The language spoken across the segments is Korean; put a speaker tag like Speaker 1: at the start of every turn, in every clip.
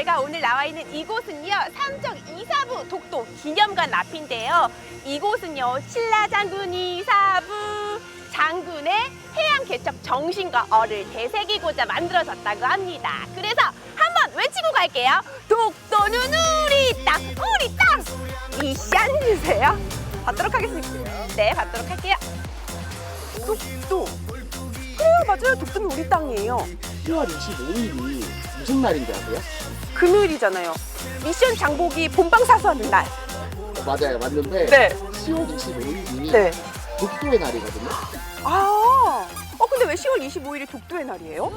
Speaker 1: 제가 오늘 나와 있는 이곳은요, 삼척 이사부 독도 기념관 앞인데요. 이곳은요, 신라 장군이 이사부 장군의 해양 개척 정신과 어를 되새기고자 만들어졌다고 합니다. 그래서 한번 외치고 갈게요. 독도는 우리 땅, 우리 땅! 미션 주세요. 받도록 하겠습니다. 네, 받도록 할게요. 독도. 그래요, 맞아요. 독도는 우리 땅이에요.
Speaker 2: 10월 25일이 무슨 날인지 아세요?
Speaker 1: 금요일이잖아요. 미션 장보기 본방사수하는 날.
Speaker 2: 맞아요, 맞는데
Speaker 1: 네.
Speaker 2: 10월 25일이
Speaker 1: 네.
Speaker 2: 독도의 날이거든요.
Speaker 1: 아, 근데 왜 10월 25일이 독도의 날이에요?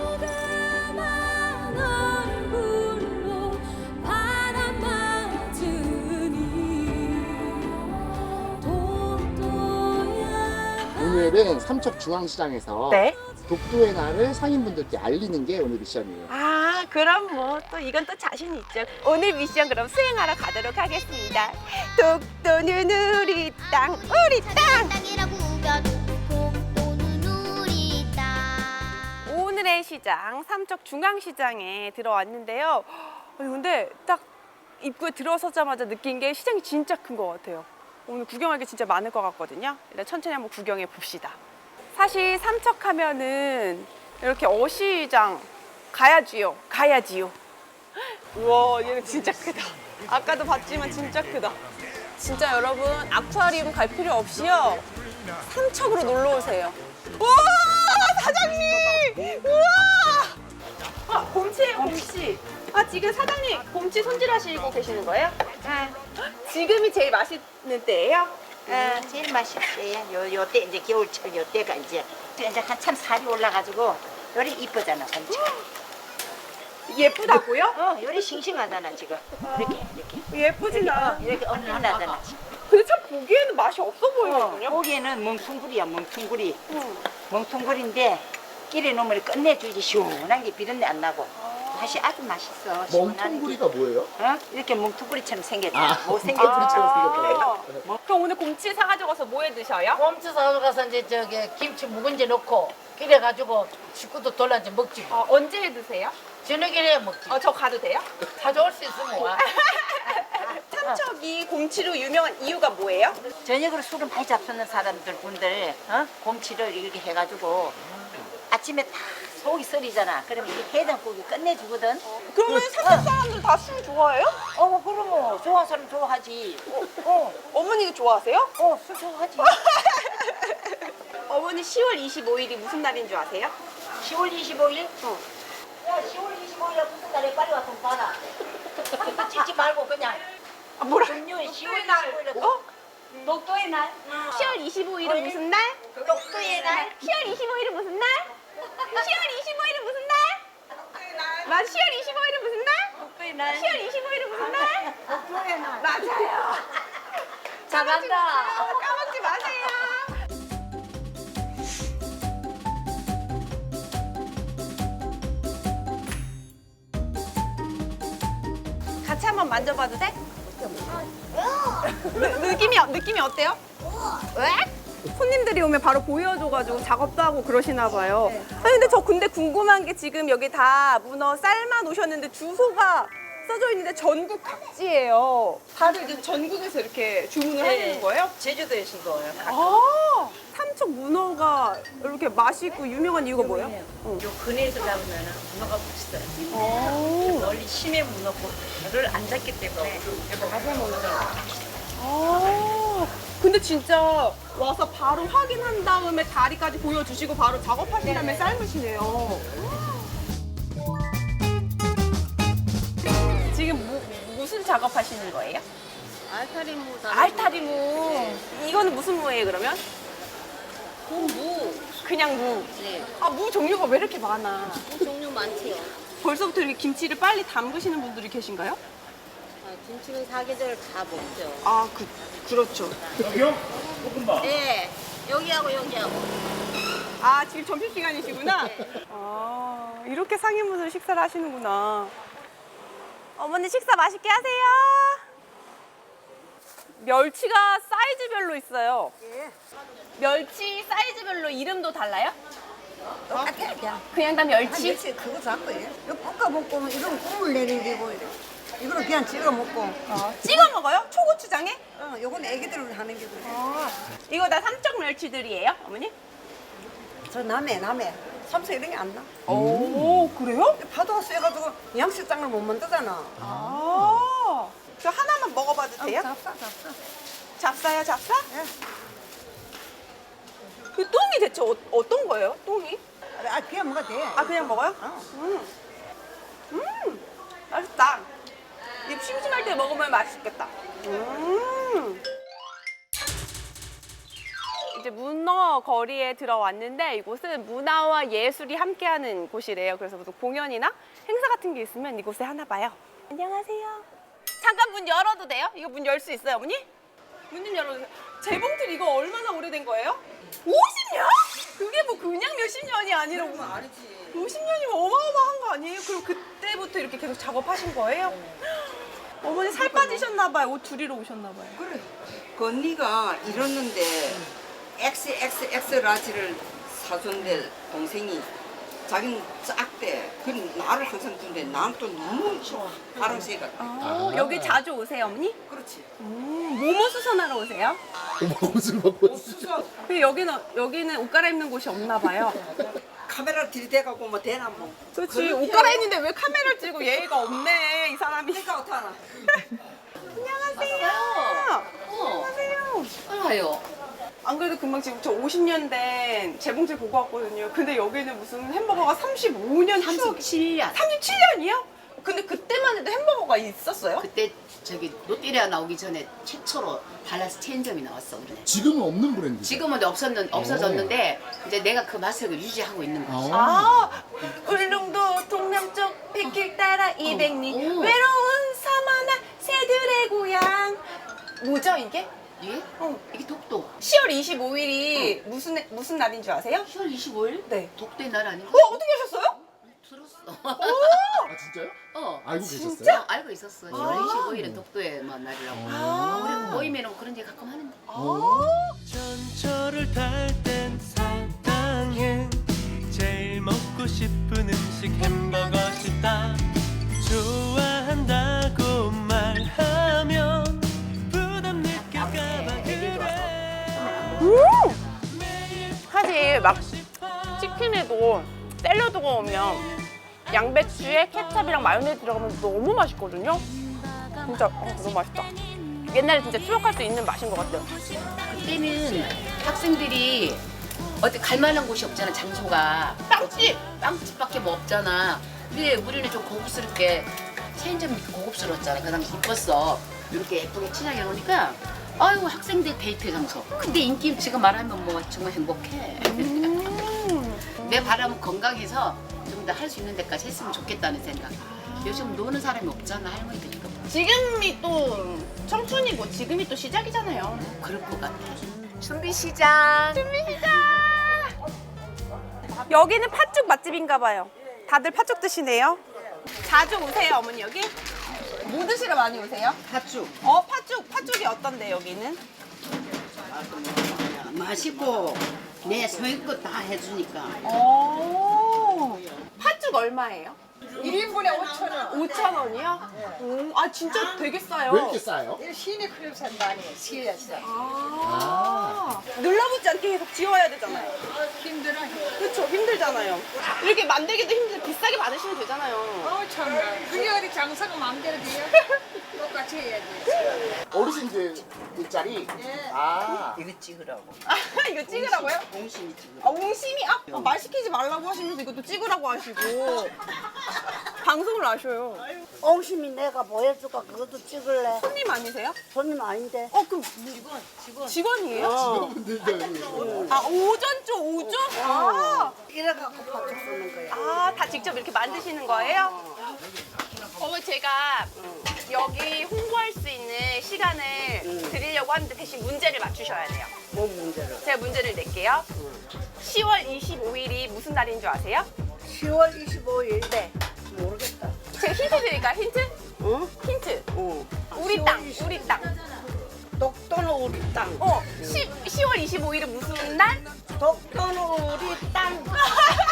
Speaker 2: 오늘은 삼척중앙시장에서
Speaker 1: 네.
Speaker 2: 독도의 날을 상인분들께 알리는 게 오늘 미션이에요.
Speaker 1: 아, 그럼 뭐 또 이건 또 자신 있죠. 오늘 미션 그럼 수행하러 가도록 하겠습니다. 독도는 우리 땅, 우리 땅!
Speaker 3: 땅이라고 우겨도 독도는 우리 땅.
Speaker 1: 오늘의 시장, 삼척 중앙시장에 들어왔는데요. 근데 딱 입구에 들어서자마자 느낀 게 시장이 진짜 큰 것 같아요. 오늘 구경할 게 진짜 많을 것 같거든요. 일단 천천히 한번 구경해 봅시다. 사실 삼척하면은 이렇게 어시장 가야지요. 우와, 얘는 진짜 크다. 아까도 봤지만 진짜 크다. 진짜 여러분, 아쿠아리움 갈 필요 없이요, 삼척으로 놀러 오세요. 우와, 사장님! 우와! 곰치예요, 곰치. 지금 사장님 곰치 손질하시고 계시는 거예요?
Speaker 3: 아,
Speaker 1: 지금이 제일 맛있는 때예요?
Speaker 3: 제일 맛있어요. 요때 이제 겨울철 요때가 이제 한참 살이 올라가지고 요리 이쁘잖아, 엄청.
Speaker 1: 예쁘다고요?
Speaker 3: 요리 싱싱하잖아 지금. 이렇게
Speaker 1: 예쁘지나.
Speaker 3: 이렇게 얼큰하잖아.
Speaker 1: 근데 참 보기에는 맛이 없어 보이거든요.
Speaker 3: 고기에는 멍퉁구리야, 멍퉁구리. 멍퉁구리인데 끼래 놓으면 끝내주지 시원한 게 비린내 안 나고. 맛이 아주 맛있어. 시원한 게.
Speaker 2: 멍텅구리가 뭐예요?
Speaker 3: 이렇게 멍퉁구리처럼 생겼잖아.
Speaker 2: 아,
Speaker 3: 못생겼지.
Speaker 2: 멍텅구리처럼 생겼어요.
Speaker 1: 그럼 오늘 곰치 사가지고 가서 뭐 해 드셔요?
Speaker 4: 곰치 사러 가서 이제 저기 김치 묵은지 넣고 그래 가지고 식구도 돌란지 먹지 뭐.
Speaker 1: 언제 해 드세요?
Speaker 4: 저녁에 해 먹지.
Speaker 1: 저 가도 돼요?
Speaker 4: 가져올 수 있으면 와.
Speaker 1: 삼척이 곰치로 유명한 이유가 뭐예요?
Speaker 3: 저녁으로 술을 많이 잡수는 사람들 분들 곰치를 이렇게 해가지고 아침에 다 속이 썰이잖아. 그러면 이게 해장국이 끝내주거든.
Speaker 1: 그러면 삼척 사람들 다 술 좋아해요?
Speaker 3: 그러면 좋아하는 사람 좋아하지.
Speaker 1: 어머니도 좋아하세요?
Speaker 3: 술 좋아하지.
Speaker 1: 어머니 10월 25일이 무슨 날인 줄 아세요?
Speaker 3: 10월 25일? 야, 10월 25일에 무슨 날에 빨리 와서 봐라. 사진 찍지 말고 그냥.
Speaker 1: 뭐라?
Speaker 3: 금요일 10월 25일에 독도의 날.
Speaker 1: 10월 25일은 무슨 날?
Speaker 3: 독도의 날.
Speaker 1: 10월 25일은 무슨 날? 10월 25일은 무슨 날? 맞아, 10월 25일은 무슨 날?
Speaker 3: 독도의 날.
Speaker 1: 10월 25일은 무슨 날?
Speaker 3: 독도의 날.
Speaker 1: 맞아요.
Speaker 3: 잘한다.
Speaker 1: 까먹지 마세요. 같이 한번 만져봐도 돼? 느낌이 어때요? 왜? 손님들이 오면 바로 보여줘가지고 작업도 하고 그러시나 봐요. 근데 저 궁금한 게 지금 여기 다 문어 삶아 놓으셨는데 주소가 써져 있는데 전국 각지예요. 다들 이제 전국에서 이렇게 주문을 하시는 거예요?
Speaker 3: 제주도에 신거예요.
Speaker 1: 아, 삼척 문어가 이렇게 맛있고 유명한 이유가 뭐예요?
Speaker 3: 요 근해에서 잡으면 문어가 맛있어요.
Speaker 1: 오.
Speaker 3: 멀리 심해 문어를 안 잡기 때문에 가서 문어가
Speaker 1: 아, 근데 진짜 와서 바로 확인한 다음에 다리까지 보여주시고 바로 작업하신 다음에 삶으시네요. 지금 무슨 작업하시는 거예요?
Speaker 4: 알타리무
Speaker 1: 알타리무. 이거는 무슨 무예요, 그러면?
Speaker 4: 무.
Speaker 1: 그냥 무.
Speaker 4: 네.
Speaker 1: 무 종류가 왜 이렇게 많아?
Speaker 4: 종류 많지요.
Speaker 1: 벌써부터 이렇게 김치를 빨리 담그시는 분들이 계신가요?
Speaker 4: 김치는 사계절 다 먹죠.
Speaker 1: 그렇죠.
Speaker 4: 네. 여기하고 여기하고.
Speaker 1: 지금 점심시간이시구나? 이렇게 상인분들 식사를 하시는구나. 어머니 식사 맛있게 하세요. 멸치가 사이즈별로 있어요. 멸치 사이즈별로 이름도 달라요?
Speaker 5: 똑같아 그냥.
Speaker 1: 그냥 다 멸치?
Speaker 5: 멸치 그거 잡고 이거 볶아 먹고 이건 국물 내는 게고 이거는 그냥 찍어 먹고.
Speaker 1: 찍어 먹어요? 초고추장에?
Speaker 5: 요건 애기들 하는 게고.
Speaker 1: 이거 다 삼척 멸치들이에요, 어머니?
Speaker 5: 저 남해 삼색 이런 게 안 나.
Speaker 1: 오, 그래요?
Speaker 5: 파도가 세가지고 양식장을 못 만들잖아.
Speaker 1: 저 하나만 먹어봐도 돼요?
Speaker 5: 잡사.
Speaker 1: 잡사요, 잡사?
Speaker 5: 예.
Speaker 1: 그 똥이 대체 어떤 거예요, 똥이?
Speaker 5: 그냥 먹어도 돼.
Speaker 1: 아, 그냥 먹어요? 맛있다. 입 심심할 때 먹으면 맛있겠다. 이제 문어 거리에 들어왔는데 이곳은 문화와 예술이 함께하는 곳이래요. 그래서 무슨 공연이나 행사 같은 게 있으면 이곳에 하나 봐요. 안녕하세요. 잠깐 문 열어도 돼요? 이거 문 열 수 있어요, 어머니? 문 좀 열어주세요. 재봉틀 이거 얼마나 오래된 거예요? 50년? 그게 뭐 그냥 몇십 년이 아니라 50년이면 어마어마한 거 아니에요? 그럼 그때부터 이렇게 계속 작업하신 거예요? 어머니 살 빠지셨나 봐요. 옷 줄이러 오셨나 봐요.
Speaker 6: 그래. 그 언니가 이랬는데 XXX 라지를 사준대 동생이 자기는 작대. 그 나를 항상 준대. 나는 또 너무 좋아. 바람새가.
Speaker 1: 여기 자주 오세요, 어머니?
Speaker 6: 그렇지.
Speaker 1: 뭐뭐 수선하러 오세요?
Speaker 2: 옷을 먹고 있어.
Speaker 6: 없어.
Speaker 1: 근데 여기는 옷 갈아입는 곳이 없나 봐요.
Speaker 6: 카메라 들이대가고 뭐 되나 뭐.
Speaker 1: 그렇지. 옷 갈아입는데 왜 카메라를 찍고 예의가 없네, 이 사람이.
Speaker 6: 내가 어떡하나.
Speaker 1: 안녕하세요. 안녕하세요.
Speaker 7: 알아요.
Speaker 1: 안 그래도 금방 지금 저 50년 된 재봉틀 보고 왔거든요. 근데 여기는 무슨 햄버거가 35년
Speaker 7: 37년.
Speaker 1: 37년이요? 근데 그때만 해도 햄버거가 있었어요?
Speaker 7: 그때 저기 롯데리아 나오기 전에 최초로 달라스 체인점이 나왔어 우리는.
Speaker 2: 지금은 없는 브랜드.
Speaker 7: 지금은 없어졌는데 이제 내가 그 맛을 유지하고 있는 거지.
Speaker 1: 울릉도 동남쪽 백길 따라 200리
Speaker 7: 오.
Speaker 1: 외로운 사마나 새들의 고향. 뭐죠 이게?
Speaker 7: 예? 이게 독도.
Speaker 1: 10월 25일이 무슨 날인 줄 아세요?
Speaker 7: 10월 25일?
Speaker 1: 네.
Speaker 7: 독도의 날 아닌가?
Speaker 1: 어떻게 하셨어요?
Speaker 7: 들었어.
Speaker 2: 아 진짜요?
Speaker 7: 알고
Speaker 2: 알고 계셨어요?
Speaker 7: 알고 있었어. 10월 25일은 독도의 날이라고. 우리 모임에는 그런 얘기 가끔 하는데.
Speaker 8: 전철을 탈 땐 사당행 제일 먹고 싶은 음식 햄버거 싶다 좋아한다고 말하면 부담 느낄까봐 그래
Speaker 1: 사실 막 치킨에도 샐러드가 오면 양배추에 케찹이랑 마요네즈 들어가면 너무 맛있거든요. 진짜 너무 맛있다. 옛날에 진짜 추억할 수 있는 맛인 것 같아요.
Speaker 7: 그때는 학생들이 어디 갈 만한 곳이 없잖아. 장소가 빵집밖에 뭐 없잖아. 근데 우리는 좀 고급스럽게 체인점이 고급스러웠잖아. 그 당시 이뻤어. 이렇게 예쁘게 친하게 해놓으니까 아이고 학생들 데이트 장소. 근데 인기 지금 말하면 뭐 정말 행복해. 내 바람은 건강해서 좀 더 할 수 있는 데까지 했으면 좋겠다는 생각. 요즘 노는 사람이 없잖아 할머니들.
Speaker 1: 지금이 또 청춘이고 지금이 또 시작이잖아요.
Speaker 7: 그럴 것 같아.
Speaker 1: 준비 시작. 여기는 팥죽 맛집인가 봐요. 다들 팥죽 드시네요. 자주 오세요, 어머니 여기? 뭐 드시러 많이 오세요?
Speaker 6: 팥죽.
Speaker 1: 팥죽이 어떤데 여기는?
Speaker 6: 맛있고 내 소유껏 다 해주니까.
Speaker 1: 팥죽 얼마예요?
Speaker 5: 1인분에 5,000원.
Speaker 1: 5,000원이요? 아 진짜 되게 싸요.
Speaker 2: 왜 이렇게 싸요?
Speaker 5: 시내 클럽 산다 아니 시에서.
Speaker 1: 눌러붙지 않게 계속 지워야 되잖아요.
Speaker 5: 힘들어.
Speaker 1: 그렇죠, 힘들잖아요. 이렇게 만들기도 힘든데 비싸게 받으시면 되잖아요.
Speaker 5: 참. 그게 어디 장사가 마음대로 돼요? 똑같이 해야지.
Speaker 2: 어르신들 일자리.
Speaker 6: 이거 찍으라고.
Speaker 1: 이거 찍으라고요?
Speaker 6: 공심이 찍으라고.
Speaker 1: 옹심이? 말 시키지 말라고 하시면서 이것도 찍으라고 하시고 방송을 아셔요.
Speaker 9: 옹심이 내가 보여줄까? 그것도 찍을래?
Speaker 1: 손님 아니세요?
Speaker 9: 손님 아닌데.
Speaker 1: 그럼 직원이에요?
Speaker 2: 직원분들도
Speaker 1: 오전조 오전?
Speaker 9: 이래갖고 팥죽 쓰는 거야.
Speaker 1: 다 직접 이렇게 만드시는 거예요? 어머 제가 여기 홍보할 수 있는 시간을 드리려고 하는데 대신 문제를 맞추셔야 돼요.
Speaker 9: 뭔 문제를?
Speaker 1: 제가 문제를 낼게요. 10월 25일이 무슨 날인 줄 아세요?
Speaker 9: 10월 25일.
Speaker 1: 네.
Speaker 9: 모르겠다.
Speaker 1: 제가 힌트 드릴까요? 힌트?
Speaker 9: 응?
Speaker 1: 힌트.
Speaker 9: 응.
Speaker 1: 우리 땅, 우리 땅.
Speaker 9: 독도는 우리 땅.
Speaker 1: 10월 25일은 무슨 날?
Speaker 9: 독도는 우리 땅.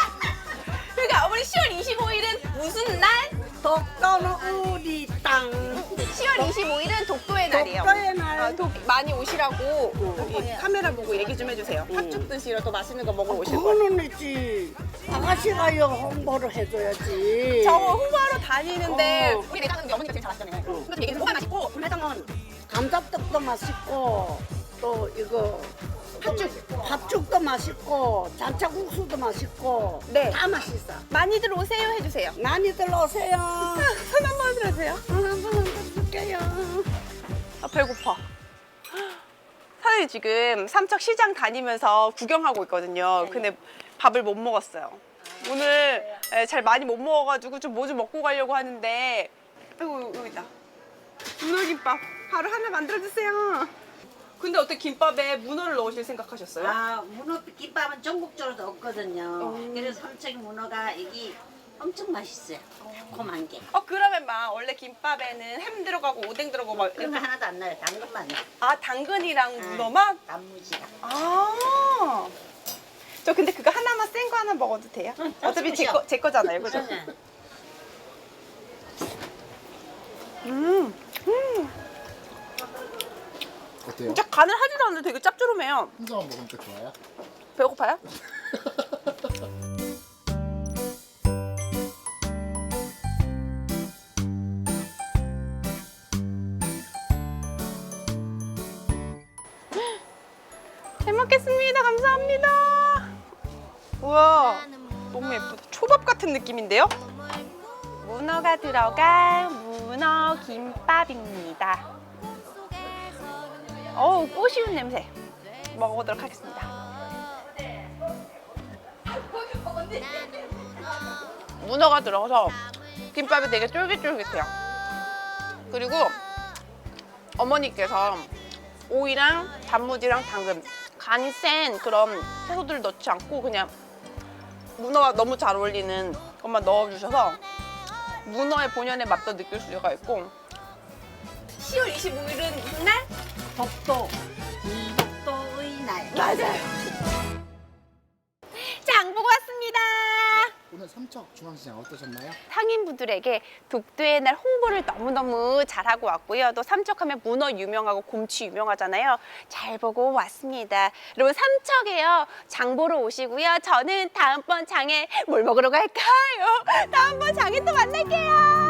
Speaker 9: 독도는 우리 땅.
Speaker 1: 10월 25일은 독도의 날이에요.
Speaker 9: 독도의 날.
Speaker 1: 많이 오시라고 여기 카메라 보고 얘기 좀 해주세요. 팥죽 드시러 또 맛있는 거 먹으러 오실 거예요.
Speaker 9: 그거는 있지. 아가씨가 요 홍보를 해줘야지.
Speaker 1: 저 홍보하러 다니는데
Speaker 9: 어.
Speaker 1: 우리 내장은 어머니가 제일 잘하시잖아요. 그래서 얘기 좀 뭐가 맛있고
Speaker 9: 매장은 감자떡도 맛있고 또 이거 팥죽도 맛있고 잔차국수도 맛있고
Speaker 1: 네.
Speaker 9: 다 맛있어.
Speaker 1: 많이들 오세요 해주세요.
Speaker 9: 많이들 오세요.
Speaker 1: 손 한번 들어주세요.
Speaker 9: 한번 드릴게요.
Speaker 1: 아, 배고파. 사장님 지금 삼척시장 다니면서 구경하고 있거든요. 근데 밥을 못 먹었어요. 오늘 잘 많이 못 먹어가지고 좀 뭐 좀 먹고 가려고 하는데 아이고 여기 있다. 문어김밥 바로 하나 만들어주세요. 근데 어떻게 김밥에 문어를 넣으실 생각하셨어요?
Speaker 3: 아, 문어 김밥은 전국적으로 없거든요. 그래서 삼척 문어가 여기 엄청 맛있어요. 달콤한 게.
Speaker 1: 그러면 막 원래 김밥에는 햄 들어가고 오뎅 들어가고 막
Speaker 3: 그런 거 하나도 안 나요. 당근만 나요.
Speaker 1: 당근이랑 문어만?
Speaker 3: 단무지랑.
Speaker 1: 아. 저 근데 그거 하나만 센 거 하나 먹어도 돼요? 어차피 제 거잖아요, 그죠?
Speaker 2: 어때요?
Speaker 1: 진짜 간을 하지도 않는데 되게 짭조름해요.
Speaker 2: 혼자만 먹으니까 좋아요?
Speaker 1: 배고파요? 잘 먹겠습니다. 감사합니다. 우와, 너무 예쁘다. 초밥 같은 느낌인데요? 문어가 들어간 문어 김밥입니다. 어우, 꼬시운 냄새. 먹어보도록 하겠습니다. 문어가 들어가서 김밥이 되게 쫄깃쫄깃해요. 그리고 어머니께서 오이랑 단무지랑 당근, 간이 센 그런 채소들을 넣지 않고 그냥 문어가 너무 잘 어울리는 것만 넣어주셔서 문어의 본연의 맛도 느낄 수가 있고. 10월 25일은 무슨 날?
Speaker 3: 독도. 독도의 날.
Speaker 1: 맞아요. 장 보고 왔습니다.
Speaker 2: 오늘 삼척 중앙시장 어떠셨나요?
Speaker 1: 상인분들에게 독도의 날 홍보를 너무너무 잘하고 왔고요. 또 삼척하면 문어 유명하고 곰치 유명하잖아요. 잘 보고 왔습니다. 여러분 삼척에요. 장 보러 오시고요. 저는 다음번 장에 뭘 먹으러 갈까요? 다음번 장에 또 만날게요.